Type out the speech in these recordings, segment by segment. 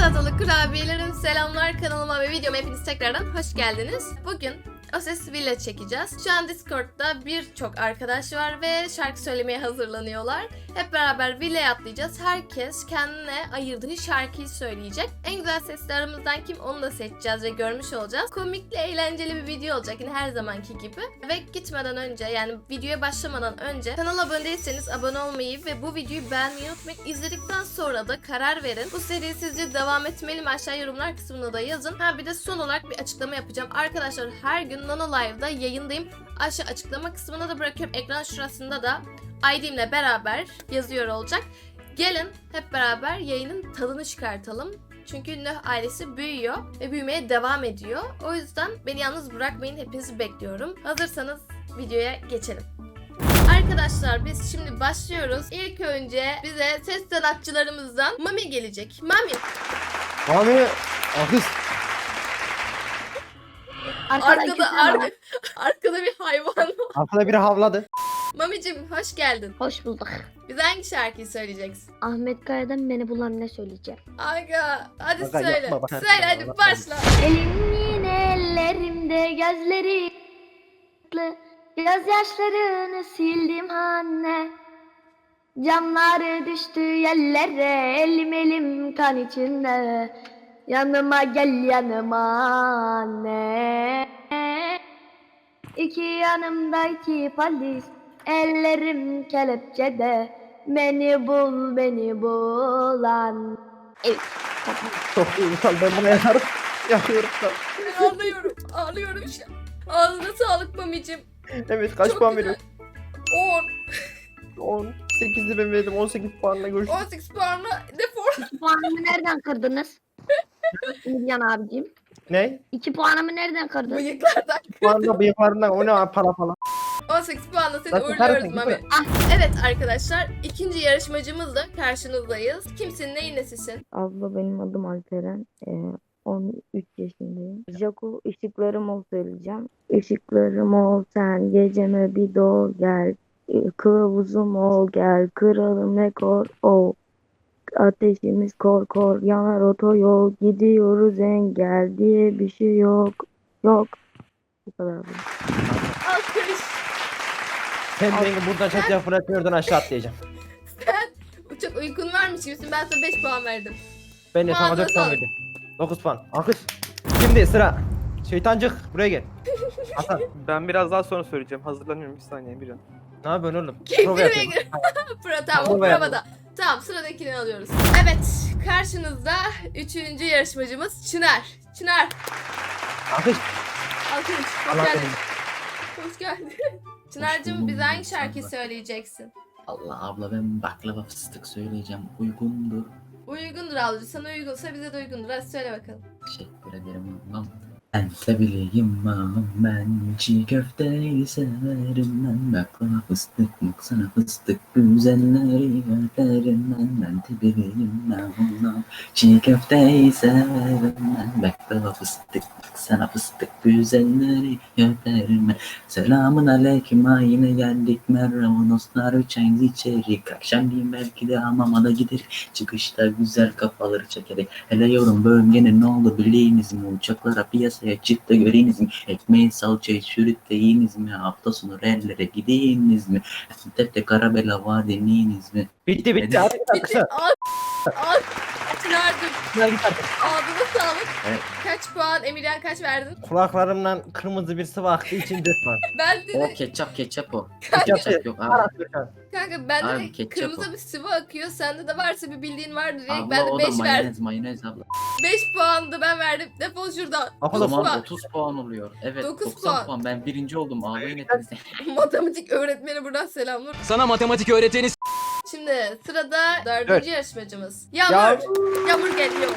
Çikolatalı kurabiyelerim, selamlar, kanalıma ve videoma hepiniz tekrardan hoş geldiniz. Bugün O Ses Villa çekeceğiz. Şu an Discord'da birçok arkadaş var ve şarkı söylemeye hazırlanıyorlar. Hep beraber villaya atlayacağız. Herkes kendine ayırdığı şarkıyı söyleyecek. En güzel sesli aramızdan kim, onu da seçeceğiz ve görmüş olacağız. Komikli, eğlenceli bir video olacak yine her zamanki gibi. Ve gitmeden önce, yani videoya başlamadan önce kanala abone değilseniz abone olmayı ve bu videoyu beğenmeyi unutmayın. İzledikten sonra da karar verin. Bu seri sizce devam etmeli mi? Aşağı yorumlar kısmına da yazın. Ha bir de son olarak bir açıklama yapacağım. Arkadaşlar her gün Nano Live'da yayındayım. Aşağı açıklama kısmına da bırakıyorum. Ekran şurasında da ID'imle beraber yazıyor olacak. Gelin hep beraber yayının tadını çıkartalım. Çünkü Nöh ailesi büyüyor ve büyümeye devam ediyor. O yüzden beni yalnız bırakmayın. Hepinizi bekliyorum. Hazırsanız videoya geçelim. Arkadaşlar biz şimdi başlıyoruz. İlk önce bize ses sanatçılarımızdan Mami gelecek. Mami. Mami akış. Arkada bir hayvan var. Arkada biri havladı. Mamicim hoş geldin. Hoş bulduk. Bize hangi şarkıyı söyleyeceksin? Ahmet Kaya'dan Beni Bulan Ne söyleyeceğim. Aga hadi Aga, söyle. yapma bak. Söyle hadi başla. Elimin ellerimde gözleri gözyaşlarını sildim anne. Camları düştü yerlere, elim kan içinde. Yanıma gel yanıma anne. İki yanımda iki polis, ellerim kelepçede. Beni bulan. Evet. Çok duygusal, ben buna yatarım. Yakıyorum da. Ağlıyorum şu an. Ağzına sağlık Mamicim. Evet kaç Çok puan güzel. veriyorsun? 10. 18'de ben verdim, 18 puanla görüşürüz. 18 puanla defol. Puanımı nereden kırdınız? Milyan abicim. Ne? 2 puanımı nereden kırdın? Bıyıklardan. Puanla bıyıklarından o ne para falan. 18 puanla seni Zaten uğurluyoruz karısın, Mami. değil mi? Evet arkadaşlar, ikinci yarışmacımızla karşınızdayız. Kimsin, neyin nesisin? Abla benim adım Alperen. 13 yaşındayım. Jaco ışıklarım ol söyleyeceğim. Işıklarım ol sen geceme bir doğ gel. Kılavuzum ol gel. Kralım rekor ol. Ateşimiz kor kor yanar otoyol. Gidiyoruz engel diye bir şey yok. Yok. Bu kadar. Alkış. Sen beni buradan çatıya fırlatıyordun, aşağı atlayacağım. Çok uykun varmış gibisin. Ben sana 5 puan verdim. Ben de sana Puanla 4 puan sağlık. verdim. 9 puan. Akış. Şimdi sıra. Şeytancık buraya gel. Hasan Ben biraz daha sonra söyleyeceğim. Hazırlanıyorum bir saniye bir an. ne yapıyorsun oğlum? Keyifli Prova bir yapıyorum. Tamam, o Prova yapalım. provada. Tamam, sıradakini alıyoruz. Evet, karşınızda 3. yarışmacımız Çınar. Çınar, Akış. alkış. Hoş Allah geldin. seni. Hoş geldin. Çınar'cığım bize hangi şarkıyı söyleyeceksin? Allah abla ben baklava fıstık söyleyeceğim. Uygundur. Uygundur ablacığım. Sana uygunsa bize de uygundur. Hadi söyle bakalım. Teşekkür ederim ablam. Ben sevileyim ağam, ben çiğ köfteyi severim ben. Baklava fıstık yok sana fıstık, güzelleri öperim ben sevileyim ağam, çiğ köfteyi severim ben. Baklava fıstık yok sana fıstık, güzelleri öperim ben. Selamun aleyküm, ha yine geldik merhaba dostlar, üç ayız içerik. Akşamleyin belki de hamama da giderik. Çıkışta güzel kafaları çekerek. Hele yorum bölgenin ne oldu bileyiniz mi? Uçaklara piyasaya çıktı göreyiniz mi? Ekmeği salçayı sürüp de yiyiniz mi? Hafta sonu rellere gideyiniz mi? Tepte Karabela var deneyiniz mi? Bitti. Hadi git Bitti. akışa. Al. Çınar'cığım Çınar git artık. ağzına sağlık. Evet. Kaç puan? Emirhan kaç verdin? Kulaklarımdan kırmızı bir sıvı aktı, için 4 puan. Ben O dedi ketçap o. Ketçap Ketçap yok abi. kanka bende Abi, de ketçap kırmızı o. bir sıvı akıyor. Sende de varsa bir bildiğin vardır diye Abla ben de o 5 da verdim. mayonez abla. 5 puan da ben verdim. Defol şuradan. O Akıllı zaman puan. 30 puan oluyor. Evet 9 90 puan. puan. Ben birinci oldum. Ağlayın hepinize. Matematik öğretmeni buradan selamlar. Sana matematik öğreteni Şimdi sırada 4. Evet. yarışmacımız. Yağmur. Yağmur geliyor.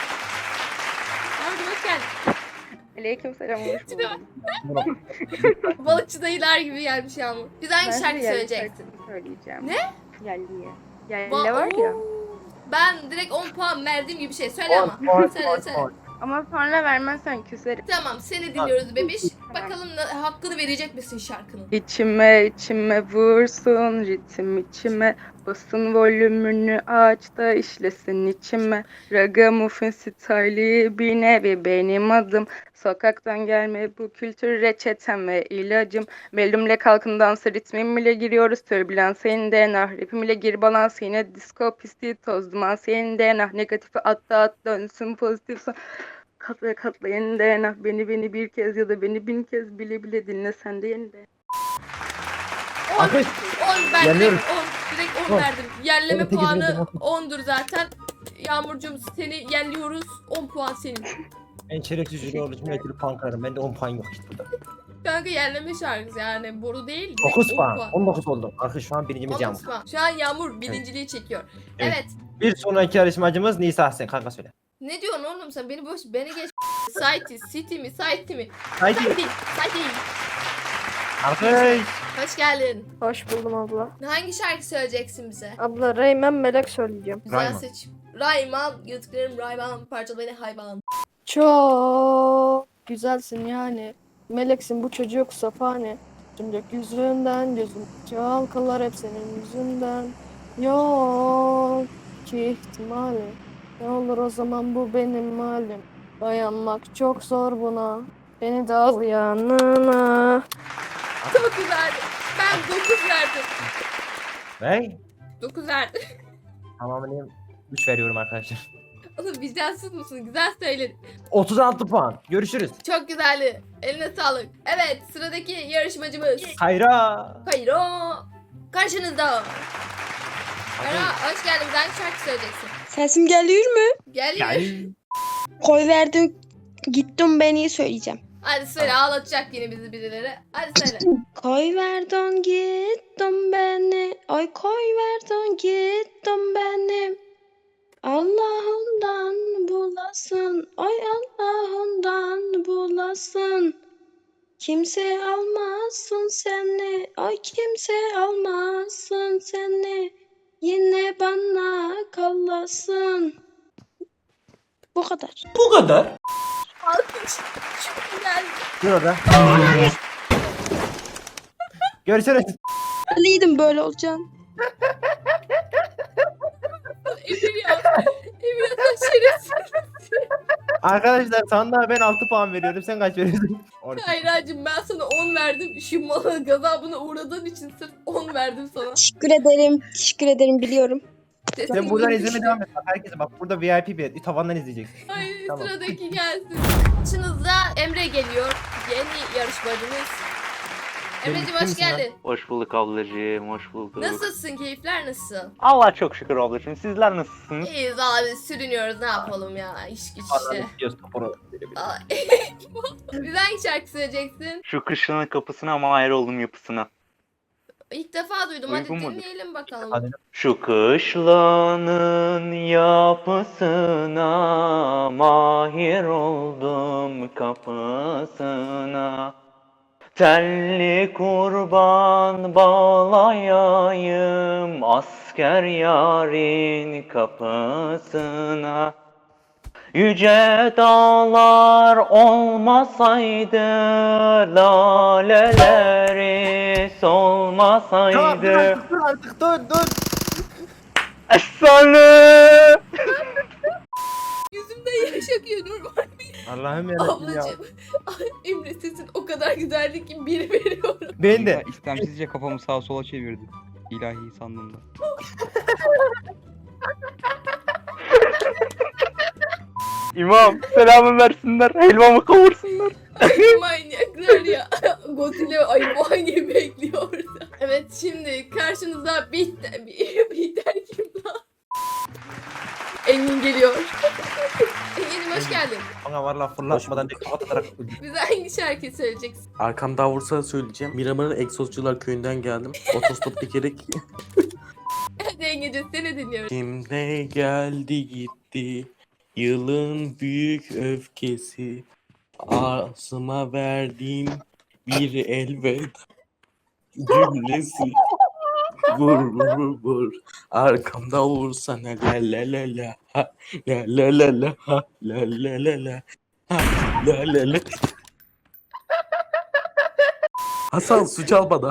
Yağmur hoş geldin. Aleykümselam, hoş buldum. Balıkçı dayılar gibi gelmiş Yağmur. Bize hangi Ben şarkı de yerli söyleyeceksin? şarkısını söyleyeceğim. Ne? Yerliye. Yerli Ba- var ya. Oo. Ben direkt 10 puan verdiğim gibi şey söyle ama. Söyle söyle. Ama sonra vermezsen küserim. Tamam seni dinliyoruz bebiş. bakalım hakkını verecek misin şarkının? İçime vursun ritim içime. Basın volümünü aç da işlesin içime. Ragamuffin style'i bir nevi benim adım. Sokaktan gelme bu kültür reçetem ve ilacım. Melumle kalkın dansa ritmim ile giriyoruz. Türbülans senin DNA. Rapim ile gir balans yine disco pisti toz duman senin DNA. Negatifi atla dönsün pozitif son. Katla katla yeni DNA. Beni bir kez ya da beni 1000 kez bile dinle sen de yeni de. 10. Alkış. 10 ben direkt Yanıyorum. 10. Direkt 10 On. verdim. Yerleme Evet, sekiz puanı verdim. 10'dur zaten. Yağmurcuğum seni yerliyoruz. 10 puan senin. En şerefsiz jüri olduğu için belki bir puan kırarım. Bende 10 puan yok işte burada. Kanka yerleme şarkısı yani boru değil. direkt 9 10 puan. 19 oldu. Arkadaş şu an birincimiz 19 Yağmur. puan. Şu an Yağmur birinciliği çekiyor. Evet. Evet. Bir sonraki yarışmacımız Nisa sen kanka söyle. Ne diyorsun oğlum sen? Beni geç. City mi? Haydi. City. Arkadaş. Hoş geldin. Hoş buldum abla. Hangi şarkı söyleyeceksin bize? Abla Reymen Melek söyleyeceğim. Güzel Rayman. seçim. Rayman. Yatıklarım Rayman. Parçalı beni hayvan. Çok güzelsin yani. Meleksin bu çocuk safane. Tüm gökyüzünden gözüm çalkalar hep senin yüzünden. Yok ki ihtimali. Ne olur o zaman bu benim halim. Dayanmak çok zor buna. Beni de al yanına. Çok güzeldi. Ben 9 verdim. Ve 9 verdim. tamamını 3 veriyorum arkadaşlar. Oğlum vicdansız mısın? Güzel söyledin. 36 puan. Görüşürüz. Çok güzeldi. Eline sağlık. Evet sıradaki yarışmacımız. Hayra. Kayro. Karşınızda. Kayro hoş geldin. Hangi şarkı söyleyeceksin? Sesim geliyor mu? Geliyor. Gel. Koy verdim gittim beni söyleyeceğim. Hadi söyle ağlatacak yine bizi birileri. Hadi söyle. Koy verdin gittim beni. Ay koy verdin gittim benim. Allah'ından bulasın. Ay Allah'ından bulasın. Kimse almasın seni. Ay kimse almasın seni. Yine bana kallasın. Bu kadar. Alkış. Çok güzel. Dur orada. Görüşürüz. Biliydim böyle olacağını. Emir ya. Emir sen şerefsiz. Arkadaşlar sandığa ben 6 puan veriyorum. Sen kaç veriyorsun? 12. Hayracığım ben sana 10 verdim. Şu malın gazabına uğradığın için sırf 10 verdim sana. Teşekkür ederim biliyorum. Sen buradan izlemeye devam et. Bak herkese bak burada VIP bir tavandan izleyeceksin. Ay Tamam. sıradaki gelsin. Karşınızda Emre geliyor. Yeni yarışmacımız. Emre'cim hoş kimsin lan? geldin. Hoş bulduk ablacığım, hoş bulduk. Nasılsın? Keyifler nasıl? Allah çok şükür ablacığım. Sizler nasılsınız? İyiyiz abi sürünüyoruz ne yapalım ya iş güç işte. Ay. Biz hangi şarkı söyleyeceksin? Şu kışlanın kapısına mahir oldum yapısına. İlk defa duydum hadi Uygun mudur? dinleyelim bakalım. Hadi. Şu kışlanın yapısına mahir oldum kapısına. Telli kurban bağlayayım asker yarın kapısına. Yüce dağlar olmasaydı, laleleri solmasaydı. Dur artık dur. Efsane! Yüzümden yaş akıyor normal. Allah'ım yarabbim ya. Ablacığım. Ay, Emre sesin o kadar güzeldi ki bir veriyorum. Ben de. İstemsizce kafamı sağa sola çevirdi. İlahi sandığımda. İmam selamı versinler, helvamı kavursunlar. Ay manyaklar ya. Godzilla ay bu hangi bekliyor orada. Evet şimdi karşınızda Bihter kim lan? Engin geliyor. Engin'im hoş geldin. Bana valla fırlatmadan direkt kapat atarak öldüm. Bize hangi şarkıyı söyleyeceksin? Arkam davursa söyleyeceğim. Miramar'ın Egzozcular köyünden geldim. Otostop dikerek. Hadi Engin'cim seni dinliyoruz. Şimdi geldi gitti. Yılın büyük öfkesi. Ağzıma verdiğim bir elveda cümlesi. Vur. Arkamda vursana la la la la. Ha, la la la la. Ha, la la la la. Ha, la la la. Hasan su çal bana.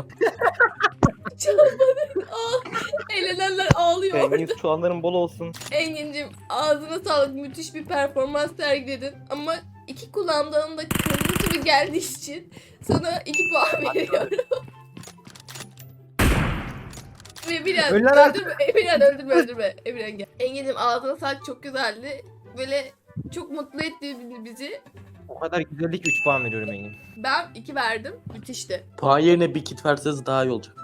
Eğlenenler ağlıyor orada. Engin soğanların bol olsun. Engin'cim ağzına sağlık, müthiş bir performans sergiledin ama iki kulağımdan da kırmızı gibi geldiği için sana 2 puan veriyorum. Emirhan Öller artık. öldürme, Emirhan öldürme. Emirhan gel. Engin'cim ağzına sağlık, çok güzeldi. Böyle çok mutlu etti bizi. O kadar güzellik 3 puan veriyorum Engin. Ben 2 verdim. Müthişti. Puan yerine bir kit verseniz daha iyi olacak.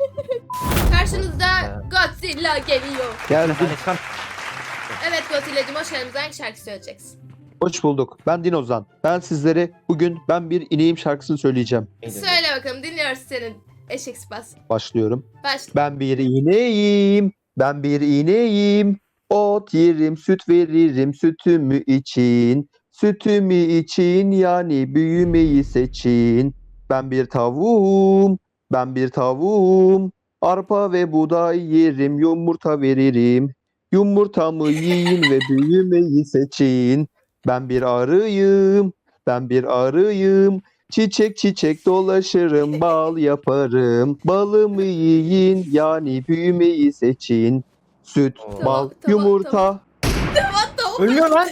Karşınızda Godzilla geliyor. Geldim. Hani çıkan Evet Godzilla'cım, hoş geldiniz. Hangi şarkı söyleyeceksin? Hoş bulduk. Ben Dinozan. Ben sizlere bugün Ben Bir İneğim şarkısını söyleyeceğim. Söyle bakalım, dinliyoruz senin eşek sıpas. Başlıyorum. Başla. Ben bir ineğim. Ben bir ineğim. Ot yerim, süt veririm sütümü için. Sütümü için yani büyümeyi seçin. Ben bir tavuğum. Ben bir tavuğum. Arpa ve buğday yerim, yumurta veririm. Yumurtamı yiyin ve büyümeyi seçin. Ben bir arıyım. Ben bir arıyım. Çiçek çiçek dolaşırım, bal yaparım. Balımı yiyin yani büyümeyi seçin. Süt, Tamam, bal, tamam, yumurta. ölmüyor lan.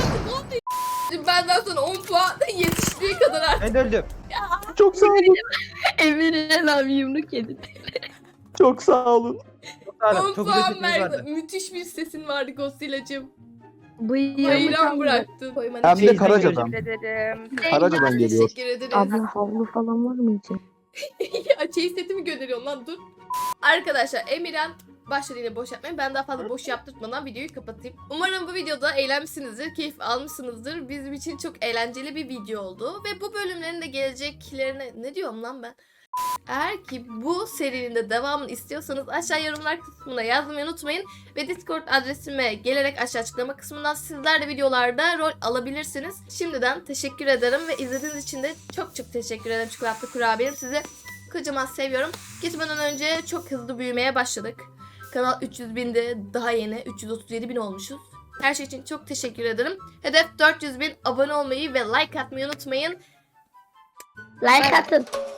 Şimdi benden sonra 10 puan yetiştiği kadar artık. Ben de öldüm. Çok sağ olun. Emirhan abi yumruk yedi. Çok sağ olun. Çok sağ olun. 10 Çok güzel puan sesiniz verdi. vardı. Müthiş bir sesin vardı Godzilla'cığım. Bıyığımı Hayran çaldı. bıraktın. Koymanı Hem de Şey, Karaca'dan. Teşekkür ederim. Karaca'dan geliyor. Teşekkür ederiz. Abla havlu falan var mı için? Ya çeyiz setimi gönderiyorsun lan, dur. Arkadaşlar Emirhan başladı yine boş yapmaya. Ben daha fazla boş yaptırmadan videoyu kapatayım. Umarım bu videoda eğlenmişsinizdir, keyif almışsınızdır. Bizim için çok eğlenceli bir video oldu. Ve bu bölümlerin de geleceklerine... Ne diyorum lan ben? Eğer ki bu serinin de devamını istiyorsanız aşağı yorumlar kısmına yazmayı unutmayın. Ve Discord adresime gelerek aşağı açıklama kısmından sizler de videolarda rol alabilirsiniz. Şimdiden teşekkür ederim ve izlediğiniz için de çok çok teşekkür ederim çikolata kurabiyem. Sizi kocaman seviyorum. Gitmeden önce çok hızlı büyümeye başladık. Kanal 300 binde, daha yeni 337 bin olmuşuz. Her şey için çok teşekkür ederim. Hedef 400 bin, abone olmayı ve like atmayı unutmayın. Like atın.